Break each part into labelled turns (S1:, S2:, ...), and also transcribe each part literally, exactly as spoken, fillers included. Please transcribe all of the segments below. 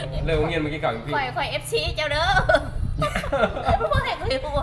S1: เลยโรงเรียนเมื่อกี้เก่าอยู่พี่
S2: ข่อยข่อยเอฟซีเจ้าเด้อพวกเด็กเลยหัว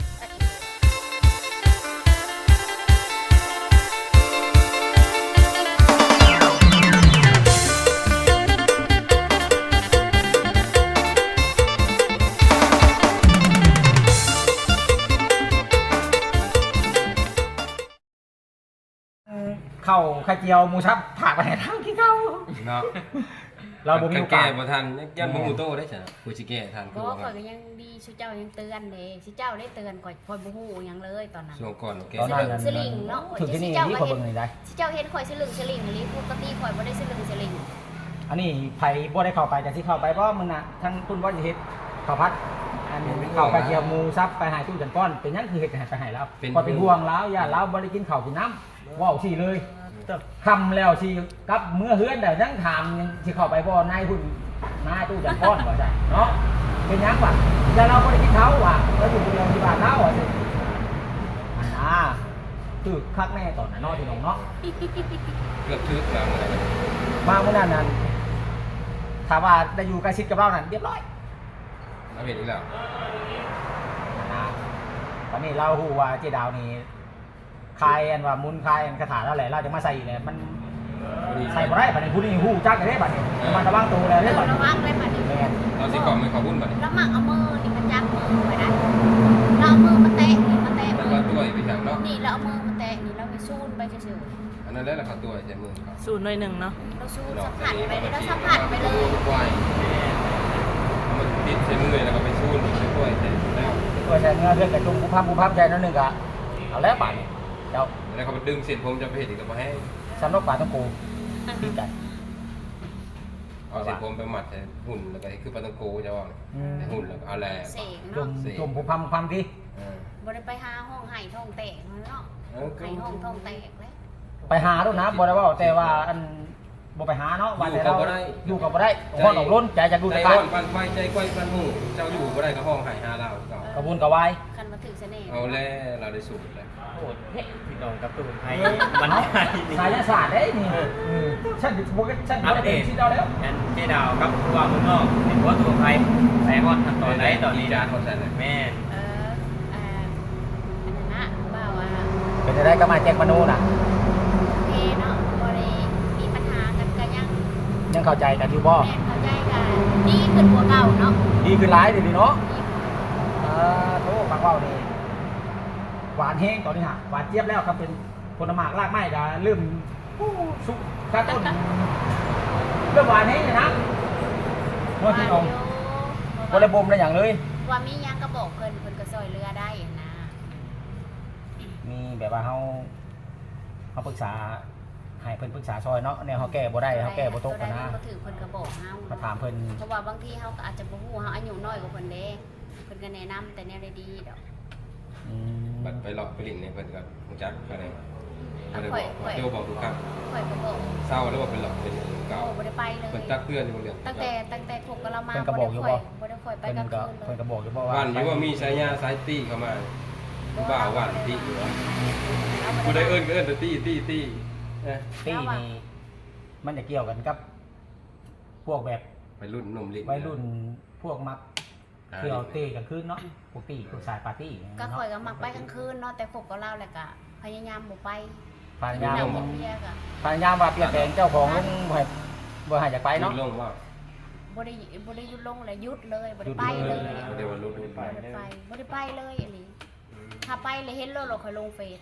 S3: เข้าไข่เจียวหมูชับผักไปให้ทางที่เข้า
S1: เนาะ
S3: เราบ่มีโอกาส
S1: แก้บ่ทันยันบ่ฮู้โตได้จ้ะกูสิแก้ทัน
S2: เพราะว่าข่อยก็ยังดีชูเจ้ายังเตือนเด้ชูเจ้าได้เตือนข่อยข่อยบ่ฮู้หยังเลยตอนนั้น
S1: ช่วงก่อนแก้
S3: ตอนนั้น
S2: สลิงเนาะ
S3: ถึงที่นี่
S2: เจ้า
S3: นี่
S2: ก็
S3: คน
S2: เห็
S3: เบิ่
S2: น
S3: งนี่ได้
S2: ชูเจ้าเห็นข่อยสลึงสลิงอันนี้ปกติข่อยบ่ได้สลึงสลิง
S3: อันนี้ไผบ่ได้เข้าไปแต่ที่เข้าไปเพราะมึงน่ะทั้งคุณว่าจะเฮ็ดข้าวผัดอันนี้เข้าไข่เจียวหมูซับไปให้ตู้จันก้อนเป็นหยังคือเฮ็ดให้ไปให้แล้วพอเป็นห่วงแล้วอย่าเราบ่ได้กินข้าวกินน้ำว้าวสิเลยคำแล้วสิกับเมื่อเฮือนได้ยังถามยังสิเข้าไปบ่นายหุ่นนายตู้จันก้อนบ่ใช่เนาะเป็นหยังวะอย่าเราบ่ได้กินเขาว่ะเราอยู่โรงพยาบาลเราอ่ะสิอันน่ะคือคักแน่ตอนนั้นเนาะที่น้องเนาะ
S1: เกือบทึกแล้วอะไรแบบ
S3: มาเมื่อนั้นนั้นถามว่าได้อยู่ใกล้ชิดกับเรานั่นเรียบร้อย
S1: เอาเห็นอีกแล้ว
S3: นะวันนี้เราหูว่าเจดาวนี่คายอันว่ามุนคายอันคาถาแล้วแหละเราจะมาใส่เลยมันใส่บ่ได้บัดนี้ผู้นี้หูจักกันได้บัดนี้มันระวังตัวแล้วได้
S2: เรา
S3: บัดนี้
S2: ระวังเลยบัดนี้
S3: แม่น
S1: เราสิก่อนไม่ขอวุ่นบัดนี้
S2: แล้วหมักเอามือนี่มันจับมือไว้นะเราเอามือมาแตะนี่มาแตะ
S1: แล้ว
S2: มื
S1: ก็
S2: อ
S1: ตัวอีกไปทางเนาะ
S2: นี่เราเอามือมาแตะนี่เราไปซูนไปเฉย
S1: อันนั้นแล้วเราขอตัวใช้มือครับ
S4: สูตรหน่อยหนึ่งเนาะ
S2: ๆเราซูนสัมผัสไปเลยเราสัมผัสไปเลย
S1: ควายมันติดใช้มือแล้วก็ไปชูนใช้กล้วยใช้แล้ว
S3: ตัวแทนเงือเรื่องกับจุ่มผู้พับผู้พับใจนั่นนึงก็เอาแล้วบัดนี้เดี๋ยว
S1: แล้วเขาไปดึงเส้นผมจะไปเห็นอีกก็มาให้
S3: สำนกป่าต้องกูปีกัน
S1: เอาเส้นผมไปหมัดใส่หุ่นแล้วก็คือปลาตังโกจะว่าหุ่นแล้วก็เอาแหล
S2: เสก
S3: จุ่
S2: เนาะ
S3: มจุ่มผู้พับผู้พับที่
S2: บ่ได้ไปหาห้องไห้ท้องแตกเนาะไห้ห้องท้องแตกเลย
S3: ไปหาด้วยนะบ่ได้ว่าแต่ว่าอันบ่ไปหาเนาะว่าแต่เราอยู่กับบ่ได้พ่อหนองล้นใจจะดู
S1: ใจ
S3: ตะ
S1: ร้
S3: กา
S1: อนปันไฟใจก้อยปันหูเจ้าอยู่ก็ได้ก็ห้องหายหาเราเก่าก
S3: ระบุนกระวาย
S2: คันมาถึงเสน่ห์
S1: เอาแล้วเราได้สูตรแล้ว
S4: โอ้เฮ้พี่น้องกับตูนไทย
S3: มันสายศาสตร์ได้นี่ฉันบอกฉันบอกได้ที่เราแล้ว
S4: งั้นเจ๊ดาวกับตัวมึงนอกเห็นว่าตัวไทยแสงอ่อนขั้นตอนไหนตอนนี้
S1: จา
S4: นะ
S1: นหมดแล้ว
S4: แม่
S2: เอออ่าอันนั้นนะบ่าวว่า
S3: เป็นได้ก็มาแจ้งมนูน่ะ
S2: เพเนาะบ่ได้มีปัญหากันก็ยัง
S3: ยังเข้าใจกันอยู่บ่
S2: แม่นเข้าใจกันดีขึ้นกว่าเก่าเนาะ
S3: ดีขึ้นหลายเดี๋ยวนี้เนาะอ่าโธ่ฟังเว้านี่หวานแห้งตอนนี้ฮะหวานเจี๊ยบแล้วครับเป็นผลไม้รากไม้ก็เริ่มสุกข้าต้นเริ่มหวานแห้งเลยนะว่าที่น้องบ่ได้บ่มได้อย่างเลย
S2: ว่ามีหยังก็บอกเพิ่นเพิ่นก็ซอยเรือได้นะ
S3: มีแบบว่าเฮาเฮาปรึกษาให้เพิ่นปรึกษาซอยเนาะแนวเฮาแก้บ่ได้เฮาแก้บ่ตกกันนะ
S2: ก็ถือเพิ่นก็บอกเฮา
S3: มาถามเพิ่น
S2: เพราะว่าบางทีเฮาก็อาจจะบ่ฮู้เฮาอายุน้อยกว่าเพิ่นเด้เพิ่นก็แนะนำแต่แนวได้ดีดอก
S3: อืม
S1: บัดไปหลอกไปลิ่นในเพิ่นกับมุจักก็ได้
S2: อ่ะ
S1: ก็ได้
S2: ข่
S1: บ
S2: อย
S1: อก
S2: ข่อย
S1: เดี๋ยวบอกทุกครั้ง
S2: ข่อยก็บอก
S1: เศร้าแล้วว่าเป็นหลอกเป็นเก่า
S2: โอ้บ่ได้ไปเลย
S1: เพิ่นตักเพื่อนอยู่เรื่อง
S2: ตั้งแต่ตั้งแต่คบกับเรามา
S3: เพิ่นก็บอกอยู่บ่
S2: บ่ได้ค่อยไป
S3: เพิ่น
S2: กลาง
S3: ก็
S2: คืนเล
S3: เพิ่น
S2: ย
S3: ก็บอกอยู่บ่ว่า
S1: วันนี้ว่ามีสายยาสายตี้เข้ามาผู้บ่าววันตี้อยู่วะกูได้เอิ้นก็เอิ้นแต่ตี้ตี้ตี้นะ
S3: ตี้นี่มันจะเกี่ยวกันกับ พวกแบบ
S1: ไปรุ่นหนุ่มลิ้น
S3: วัยรุ่นพวกมักเที่ยวเต้กลางคืนเนาะพวกตี้พวกสายปาร์ตี้
S2: ก็
S3: เนาะ
S2: ข่อยก็มักไปกลางคืนเนาะแต่คบกับเราแหละก็พยายามบ่ไป
S3: พยายาม
S2: นั่งกับเมียก็
S3: พยายามว่าเปลี่ยนแปลงเจ้าของลงบ่ให้บ่ให้อยากไปเนาะ
S1: ลงว่า
S2: บ่ได้บ่ได้หยุดลงเลยหยุดเลยบ่ได้ไปเลย
S1: เดี๋ยววันรุ่นไป
S2: บ่ได้ไปบ่ได้ไปเลยอันนี้ถ้าไปเลยเห็นแล้วเราค่อยลงเฟซ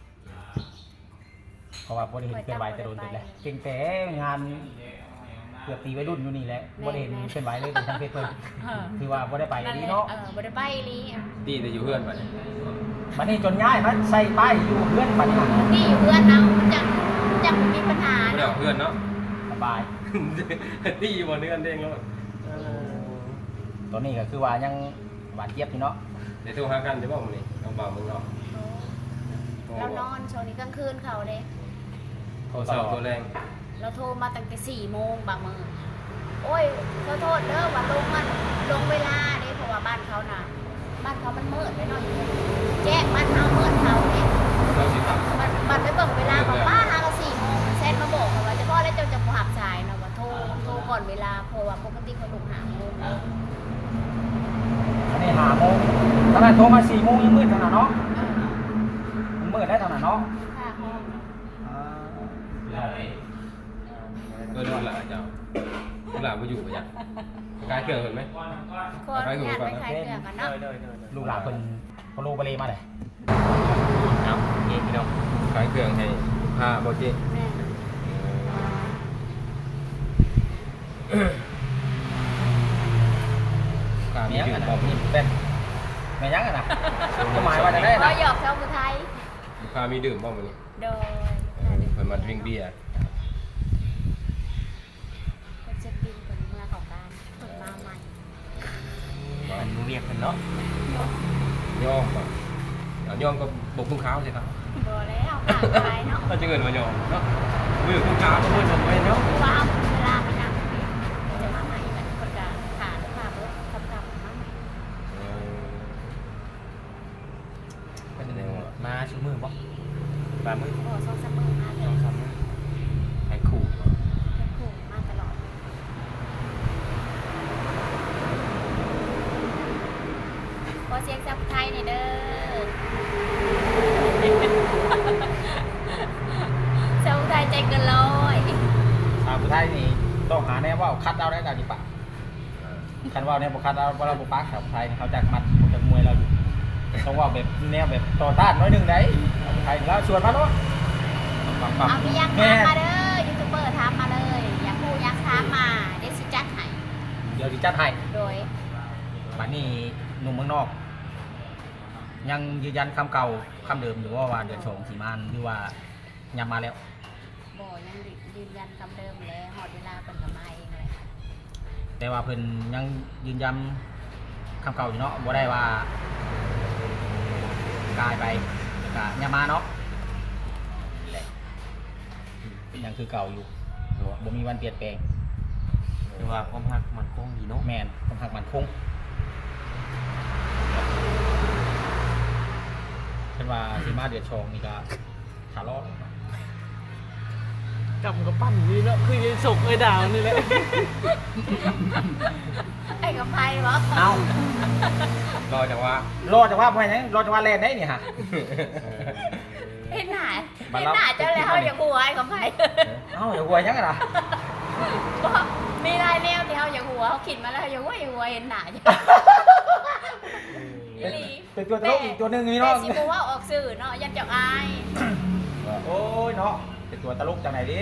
S3: เพราะว่าบ่ได้เห็นเคลื่อนไหวแต่โดนติดแล้วเก่งแต่งานเกือบตีวัยรุ่นอยู่นี่แหละบ่ได้เห็นเคลื่อนไหวเลยเป็นทางเฟซเพิ่นคือว่าบ่ได้ไป
S2: นั่น
S3: ดี
S2: แหละ
S3: เนาะ
S2: เออบ่ได้ไปอีหลี
S1: ตี้แต่อยู่เพื่อนไป
S3: บัดนี้จนย้ายมาใส่ป้ายอยู่เพื่อนบัดนี้
S2: นี่อยู่เพื่อนเนาะมันจังมันจังบ่มีปัญหา
S1: เดี๋ยว
S2: เนาะ
S1: เพื่อนเนาะ
S3: สบาย
S1: ตี้อยู่บนเนื้อเด้งแล้ว
S3: ตอนนี้ก็คือว่ายังหวานเจี๊ยบอยู่เนาะ
S1: เดี๋ยวโทรหากันเดี๋ยวบอกมึงนี่เอาบ่าวมึงเนาะ
S2: เรานอนช่วงนี้กลางคืนเขาเด้
S1: โทรศัพท์ตัวแรง
S2: เราโทรมาตั้งแต่สี่โมงบางมื้อโอ้ยขอโทษเด้อว่าลงมันลงเวลาเด้เพราะว่าบ้านเขาน่ะ บ้านเขามันมืดไปหน่อยแจ้งบ้านเขามืดเขาเนี่ย
S1: เราสิตัด
S2: บัดบัดไปเบิ่งเวลาของป้าหาก็สี่โมงแซนมาบอกว่าจะพ่อแล้วเจ้าจะบ่หับสายเนาะว่าโทรโทรก่ก่อนเวลาเพราะว่าปกติเขาลงหาโมง
S3: อันนี้หาโมงขนาดโทรมาสี่โมงยังมืดขนาดเนาะมันมืดได้ขนาดเนาะ
S2: ค่าห้อง
S1: เออดูหลานเจ้าดูหลานมาอยู่ปะยังกายเกลือเห็นไหม
S2: คนงานไปขายเครื่องกันเนาะ
S3: ลูกหลานเพิ่นพอลูกไปเลยมาเลย
S4: เอาเงี้ยพี่น้อง
S1: กายเกลือให้ผ้าโบเจ
S2: แม่
S1: ผ้ามี
S3: เนี้ย
S1: ดื่
S3: กั
S1: ม
S3: น
S1: บ่
S3: นี่เป็นแม่ยังกันนะก็หมายว่าจะได้
S2: พอ
S3: นะ
S2: หยอกชาวผู้ไทย
S1: ผ้ามีดื่มบ่มื้อนี้
S2: โดย
S1: เพิ่นมาดื่มเบียร์
S2: คนเช็คบินคนเมื่อของการคนมาใหม่
S4: มันรู้เรียกกันเนาะ
S1: ย่อมบ่เอาย่อมก็บกคุ้งขาวสิครับ
S2: โดยแล้วผ่านไปเนาะ
S1: ถ้าจะเงินมาย่อมเนาะมือคุ้งขาวก็มือทำไว้เนาะ
S2: ว้าวเวลาไปนั่งจะมาใหม่แบบคนกลางขาดขาดรถขับกลับมาใหม่
S4: ก็จะได้มาชูมือบ่ปลามือ
S2: โอ้ซองซัมเมอร์มาเล
S4: ลอย งทำมือให้ขู่
S2: แค่คู่มาตลอดขอเสียงจากไทยหน่อยเด้อชาวไทยใจเกินร้อย
S3: ชาวผู้ไทยนี่ต้องหาแน่ว่าคัดเอาได้กันดีปะคันว่าแน่บ่คัดเอาเราบ่ปักชาวผู้ไทยเขาจะมัดจะมวยเราอยู่ต้องว่าแบบแนวแบบต่อต้านน้อยหนึงได้ชาวผู้ไทยแล้วชวนมาเนาะปังปัง
S2: เอาพี่ยักษ์ถามมาเด้อยูทูบเบอร์ถามมาเลย อยากพูดยักษ์ถามมาเดี๋ยวสิจัดให้
S3: เดี๋ยวสิจัดให้
S2: โดย
S3: บัดนี้หนุ่มเมืองนอก ยังยืนยันคำเก่าคำเดิมหรือว่าว่าเดือนสองสีมานหรือว่ายังมาแล้ว
S2: บ่ยังยืนยันคำเดิมแล้วหอดเวลาเป็นกับมาเองเลย
S3: แต่ว่าเพิ่นยังยืนยันคำเก่าอยู่เนาะบ่ได้ว่ากลายไปก็ยังมาเนาะแหละยังคือเก่าอยู่บ่มีวันเปลี่ยนแปลง
S4: คือว่าความหักมันคงดีเนาะ
S3: แมนต้องหักมันคงเช่นว่าสีมาเดือดชองนี่ก็ขาล้อก
S5: ำกับปั้นนี่เนาะคือยังสกไอ้ดาวนี่แหละ
S2: ไอ้กับไพ่บ่
S3: เอา
S1: รอจังหวะ
S3: รอจังว่าไปไหนรอจังว่าแลนได้นี่ฮะ
S2: เห็นหน้า
S3: บัด
S2: เห็น
S3: รับ
S2: หน้าเจ้าแล้วอย่าหัวไอ้กับไพ่
S3: เอ้าอย่าหัวยังไงล่ะ
S2: บ่มีลายแนวที่เขาอย่าหัวเขาขิดมาแล้วอย่าหัวอย่าหัวเห็นหน้าจ้ะ อีหลี
S3: เป็นตัวตลกอีกตัวหนึ่งนี่
S2: แต่
S3: เนาะ
S2: สิบ่ว่าออกสื่อเนาะยันจักอาย
S3: โอ้ยเนาะเป็นตัวตลกจังไหนดิ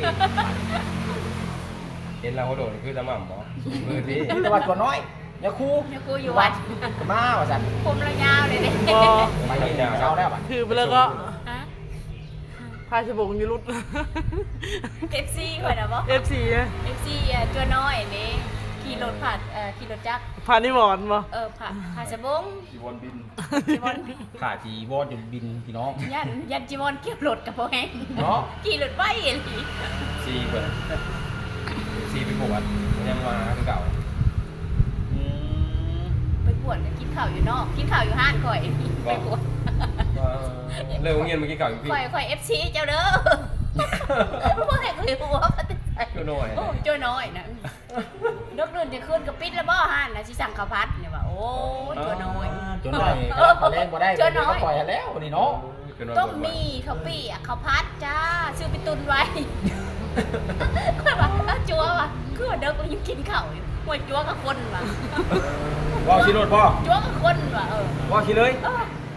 S1: เห็นเราเขาโดดคือตะหม่ำบ่มือที่
S3: ตัววัดตัวน้อยอย่าคู
S2: เนี่ยกูอยู่วัด
S3: มาว่าสัน
S2: ผมระยาวเลยเด้
S5: บอ
S3: ไปเห็นเช้าแล้วบัด
S5: คือไปแล้วก็
S2: ฮะ
S5: พาชบงอยูรุด
S2: เอฟซีข่อยน่ะบ่
S5: เอฟซีอะ
S2: เอฟซีอ่ะตัวน้อยนี่ขี่รถผ่านเอ่อขี่รถจักร
S5: พานิวอนบ่
S2: เออผ่านผ่านสะบง
S1: จีวอนบิน
S2: จิมอน
S3: ขาจีวอนอยู่บินพี่น้อง
S2: ยันยันจิมอนเกี่ยวรถกับพ่อแห้ง
S3: เนาะ
S2: ขี่รถไว้อีหลี
S1: ซีเปิดซีไปปวดยังมาคือเก่า
S3: อืม
S2: ไปปวดก็กินข้าวอยู่นอกกินข้าวอยู่ห้านข่อยไปปวด
S1: เลิกเงียนเมื่อกี้เก่าอีกพี่
S2: ข่อยข่อยเอฟซีเจ้าเด้อพ่อแห้งคือหัวปฏิใจ
S1: ก็น้อย
S2: โอ้เจ้าน้อยนะนกเดินจะขึ้นกับปิดแล้วบ่ห้านนะสิสั่งข้าวผัดเนี่ยว่าโอ้ยเจ้าน้อย
S3: จนได้เขาเล่นบ่ได้
S2: เจ้าน้อย
S3: ก็ปล่อยให้แล้วนี่เนาะ
S2: ต้มมีข้าวปี้อ่ะข้าวผัดจ้าซื้อไปตุนไว้ข่อยว่าเอาจัวว่ะคือว่าเด็กก็ยังกินข้าวอยู่หัวจัวกับคนว่ะ
S3: ว่าชิโรดบ่
S2: จัวกับคนว่ะเออ
S3: ว่าชิเลย
S2: เออ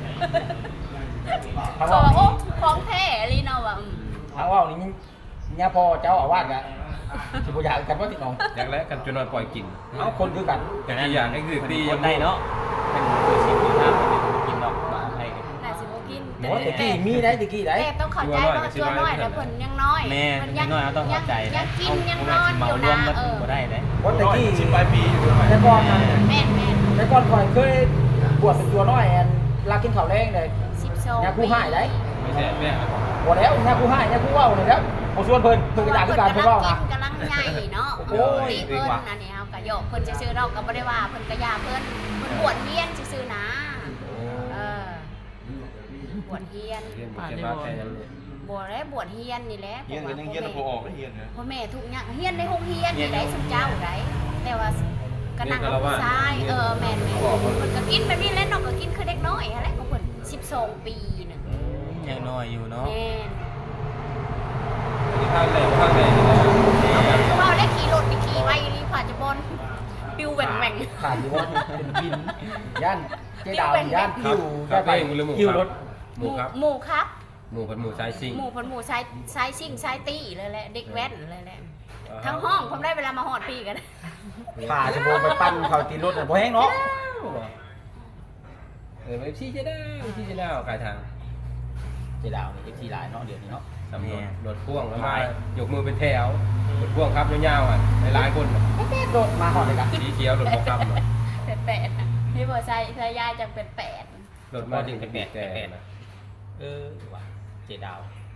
S3: ทาง
S2: ก็
S3: ว่า
S2: ว่าโอ้ของแท้ลีเนาะว่ะอืม
S3: ทางว่านี่เนี่ยพอเจ้าอาวาสกะสิบ่อยากกันว่าติดน้อง
S1: อย่างแรกกันจนนอนปล่อยกิน
S3: เอาคนคือกัน
S1: อย่างที่อย่างไอ้คือตี
S4: คนได้เนาะเป็นคือสิบปีห้าเป็นกินดอกบ้านไทย
S2: น่าสิบ่กิน
S3: หมอตะกี้มีได้ตะกี้ได้
S2: แต่ต้องเข้าใจว่าตัวน้อยแต่เพิ่นยังน้อย
S4: แม่
S2: มัน
S4: ยังน้อยเราต้องเข้าใจ
S2: ยั
S4: นะ
S2: งกินยังน
S4: เอา
S2: อน
S4: เมา
S2: อยู่
S4: รว
S2: นะ
S4: มกัน
S2: เออ
S4: บ่ได้เลย
S3: เพราะตะกี้
S1: ชิมปลายปีอยู่ด้วย
S3: แต่ก่อนนะ
S2: แม่นแม่น
S3: แต่ก่อนข่อยเคยบวชเป็นตัวน้อยแอนลากินข้าวแรงเลย
S2: สิบสอง
S3: ยาคู่ให้ได้
S1: ไม่ใช่แม่
S3: บ่แล้วยาคู่ให้ยาคู่เว้าเลยครับบ่ชวนเพิ่นเพิ่นก็อยากคือกันเพิ่นเว้านะ
S2: กำลังใหญ่เนาะ
S3: โอ้ย
S2: ตีเพิ่นอันนี้เฮาก็โยกเพิ่นซื่อๆเราก็บ่ได้ว่าเพิ่นก็ยาเพิ่นเพิ่นบวชเฮียนซื่อๆนะเออบวชเฮียน
S1: เรียนบุกเรียนบ้านแค่นั้นเลย
S2: บวชแล้วบวชเฮียนนี่แหละ
S6: เฮียนกันยังเฮียนพอออกได้เฮียนนะ
S2: พ่อแม่ทุกอย่างเฮียนในห้องเฮียนนี่ได้สมเจ้าได้แต่ว่าก็นั่งกับผู้ชายเออแม่นแม่มันก็กินแบบนี้แหล้วน้องก็กินคือเด็กน้อยอะไรก็เพิ่นสิบสองปีน่ะ
S4: ยังน้อยอยู่เนาะ
S2: แม่น
S1: ข้างไหนข้างไหน
S2: เพราะว่าได้ขี่รถไปขี่ไว้อยู่นี่ผ่าจะบอลปิวแหว่งแหว่ง
S3: ขาดอยู่ว่าเป็นบินย่านเจ๊ดาวย่านคิว
S1: ครั
S3: ได้
S1: บ
S3: ไป
S1: เองหรือหมู
S3: คิวรถ
S1: หมูครับ
S2: หมู่ครับ
S1: หมูพันหมูสายซิ่ง
S2: หมู่พันหมู่ชายชายซิ่งชายตี้เลยแหละเด็กแว้นเลยแหละทั้งห้องผมได้เวลามาหอดพี่กัน
S3: ขาจะโบไปปั้นเขาตีรถบ่แห้งเนาะ
S1: เออไปชี้จะได้ชี้จะได้กายทาง
S3: เจ๊ดาวนี่เอฟซีหลายเนาะเดี๋ยวนี้เนาะ
S1: สำรวจรถพ่วงแล้วมายกมือเป็นแถวรถพ่วงครับยาวๆอ่ะหลายๆคน
S3: แป๊บๆรถมาหอดเลยกัน
S1: สีเขียวรถบกคำ
S2: เป็นแปดพี่บอกชายชายยายจะเป็นแปด
S1: รถมาถึงจะบีบแต่นะ
S3: เออว่ะเจ๊ดาว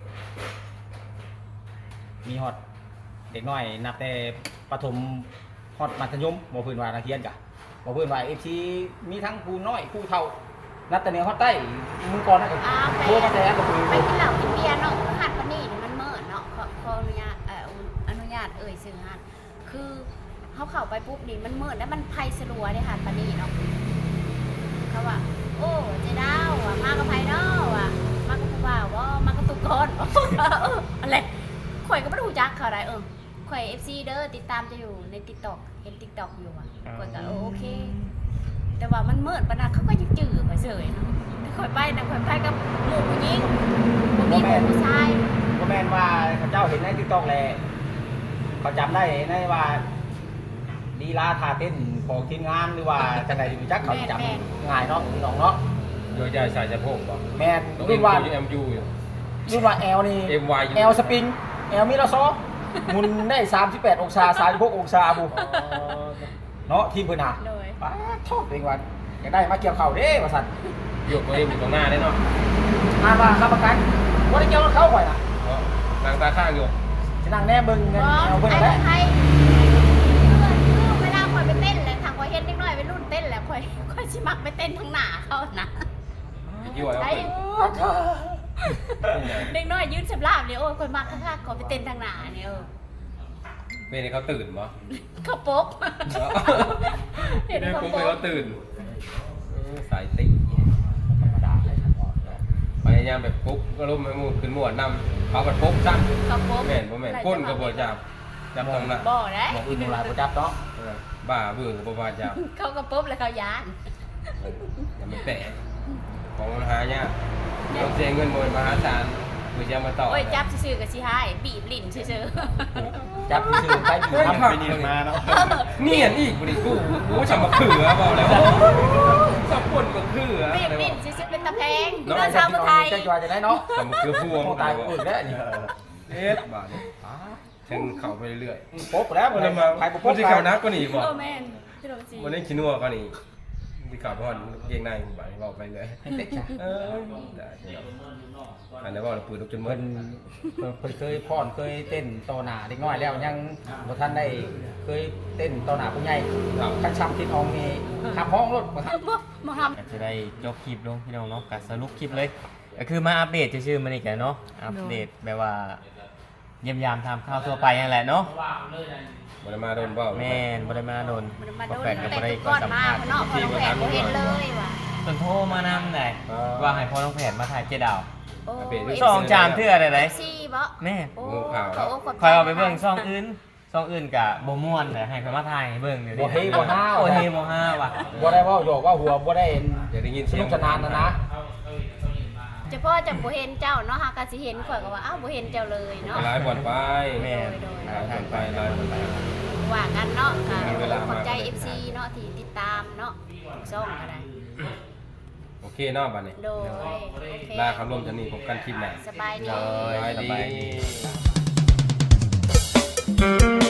S3: มีฮอดเด็กน้อยนับแต่ประถมฮอดมัธยมบ่พื้นว่านักเรียนกะบ่พื้นว่าเอฟซีมีทั้งผู้น้อยผู้เฒ่านับแต่เหนือฮอดใต้มือก่อนนะก็
S2: อ้าวไป
S3: โทรมาแต่ก็คือ
S2: ไปกินเหล้ากินเบียร์เนาะหัดปนี่นี่มันเมิดเนาะขอขออนุญาตเอ่ออนุญาตเอ่ยสื่อหัดคือเขาเข้าไปปุ๊บนี่มันเมิดแล้วมันไพสลัวได้หัดปนี่เนาะเขาว่าโอ้เจดาวอ่ะมากับไพเนาะอ่ะมากับผู้บ่าวว่ามากับตุกคนเอออะไรข่อยก็ไม่รู้จักเขาอะไรเออข่อยเอฟซีเด้อติดตามจะอยู่ในติ๊กต็อกเห็นติ๊กต็อกอยู่อ่ะข่อยก็เออโอเค แต่ว่ามันเมิดปะนะเขาก็ยังจืดไปเฉยเนาะข่อยไปนะข่อยไปกับหมู่ผู้หญิงบ่มีหมู่ผู้ชาย
S3: บ่แม่นว่าเขาเจ้าเห็นใน TikTok แลเขาจำได้ในว่าลีลาท่าเต้นของทีมงานหรือว่าจังได๋รู้จักเขาจำง่ายเนาะพี่น้องเนาะ
S1: โดยใจสายจะโพกบ่
S3: แม่น
S1: ต้อง
S3: รุ่นว่า
S1: เอ็มยูอยู่
S3: รุ่นว่า L นี่
S1: เอ็มวายอยู่
S3: L สปริง L มิลาซอหมุนได้สามสิบแปดองศาสามสิบหกองศาบุเนาะทีมเพิ่นน่ะ
S2: โดย
S3: ป้าชอบเป็นวันอยากได้มาเกี่ยวเข่าเด้ว่าซั่น
S1: ยกตัวเองอยู่ตรงหน้าได้เนาะ
S3: อ่านว่าค้ำประกันบ่ได้เกี่ยวกับเขาข่อยน่ะ
S1: นางตาข้างอยู่
S3: สินั่งแน่เบิ่งเงิน
S2: บอ
S3: เอา
S2: ส
S3: เพิ่น
S2: ไอ้
S3: แหละ
S2: ไทยคือเวลาข่อยไปเต้นแหละทางข่อยเห็นเด็กน้อยไปรุ่นเต้นแหละข่อยข่อยสิมักไปเต้นทางหน้าเขานะ
S1: ยี่ห้อ
S2: ไอ้
S1: เอา
S2: เด็กน้อยยืนสำราบเลยโอ้ยข่อยมักคักๆขอไปเต้นทางหน้าเนี่ยเออ
S1: เป็นเขาตื่นบ่
S2: เขาโป๊กเห็น
S1: เห็น
S2: เขา
S1: ปุ๊บ
S2: โป๊
S1: เขา
S2: ก
S1: ตื่นสายติ
S3: ธรรมดาเลยครับ
S1: พยายามแบบปุ๊บก็ล้มให้มูขึ้นหมวดนำเขาก็ปุ๊บซ้ำ
S2: เขาโป๊ก
S1: แม่นบ่แม่นก้นก็บ่จับจับตรงนั้น
S2: บ่ได้
S3: บอกอื่นหลายบ่จับเนาะ
S1: บ้าเบื่อก็บ่ว่าจับ
S2: เขาก็ปุ๊บแล้วเขายาน
S1: อย่ามันแตะของมันหายากต้องเสียเงินบ่มหาศาลเพื่อจะมาต่อ
S2: โอ้ยจับซื่อๆกับสิหายบีบลิ้นซื่อ
S3: จับซื่อๆไปบีบ
S1: ทำ
S3: ทำ
S1: ไปเนียนมาเนาะเนียนอีกบ่ดิกูกูจะมาเขือเปล่าแล้วสับปนมาเขือ
S2: ๆบีบลิ้นซื่อๆเป็นตะแพง
S3: น้อง
S2: เนื้อชาวไทย
S3: จะจอยจะได้เนาะ
S1: สับมาเขือพวง
S3: ตายอื่นแล้วนี่
S1: เอ็ดบาทนี่ถึงเข้าไปเรื่อย
S3: โป๊กแล้ว
S1: ๆ
S3: มั
S1: มัน น
S3: มา
S1: มา
S3: ใครบ่
S1: มั
S3: โป๊
S1: น
S3: ก
S1: สิเข้านักกว่านี้บ่
S2: โอ้แม่นพี่โรจี
S1: มันได้ขี้นัวกว่านี้สิเข้าพอนเกงในบ่เว้าไปเลย
S3: ให้เตะจ้ะ
S1: เออได้อันนี้ว่าเราปืนลูกจนหม
S3: เพิ่
S1: ด
S3: นเพิ่นเคยพ่อนเคยเต้นต่อหน้าเด็กน้อยแล้วยังบ่ทันได้เคยเต้นต่อหน้าผู้ใหญ่คันช้ำคิดอองนี่ขับห้องรถบ่ทัน
S2: บ่มาท
S4: ก็จะได้ยกคลิปลงพี่น้องเนาะก็สรุปคลิปเลยก็คือมาอัปเดตชื่อๆมันอีกแหละเนาะอัปเดตแบบว่าเยี่ยมยามทำข้าวทั่วไปนั่นแหละเนาะ
S1: บ่ได้มาโดนเปล่า
S4: แม่นบ่ได้มาโดน
S2: ำมันมา
S4: บ่
S2: โดน
S4: แฟนก็
S2: แต่
S4: บ่ได้
S2: ก่อนมาเนาะพอน้องแผนบ่เห็นเลยว่ะ
S4: จนโทรมานำได้ว่าให้พ่อน้องแผนมาถ่ายเจดาว
S2: โอ้
S4: สองจามเทื่อได้เลย
S2: ซี่บ่
S4: แม่
S2: โอ้ก็โอ้
S4: คอยเอาไปเบิ่งซ่องอื่นซ่องอื่นกะบ่ม่วนแต่ให้เพิ่นมาถ่ายให้เบิ่งเดี๋ยว
S3: บ่
S4: นี้
S3: เฮบ่ห้าว
S4: โอ้เฮบ่ห้าว่ะ
S3: บ่ได้เว้าหยอกว่าหัวบ่ได้
S1: อยากได้ยิน
S3: ส
S1: เสีย
S3: นุ
S1: ง
S3: กสนานนะนะ
S2: เฉพาะจังบ่เห็นเจ้าเนาะหาก็สิเห็นข่อยก็ว่าอ้าวบ่เห็นเจ้าเลยเนาะ
S1: หลายบ่อนไป
S4: แม่
S1: หลายบ่อนไปหลายบ่อนไป
S2: ว่ากันเนาะค่ะ
S1: มีเวลามา
S2: ขอบใจ เอฟ ซี เนาะที่ติดตามเนาะช่องก็ได้
S1: โอเคเนาะบัดนี้
S2: โดยโอเค
S1: ลาคำร่วมจะนี่พบกันคลิปหน้า
S2: สบายดี
S4: เลย
S1: สบาย
S4: สบาย
S1: ดี
S4: ดี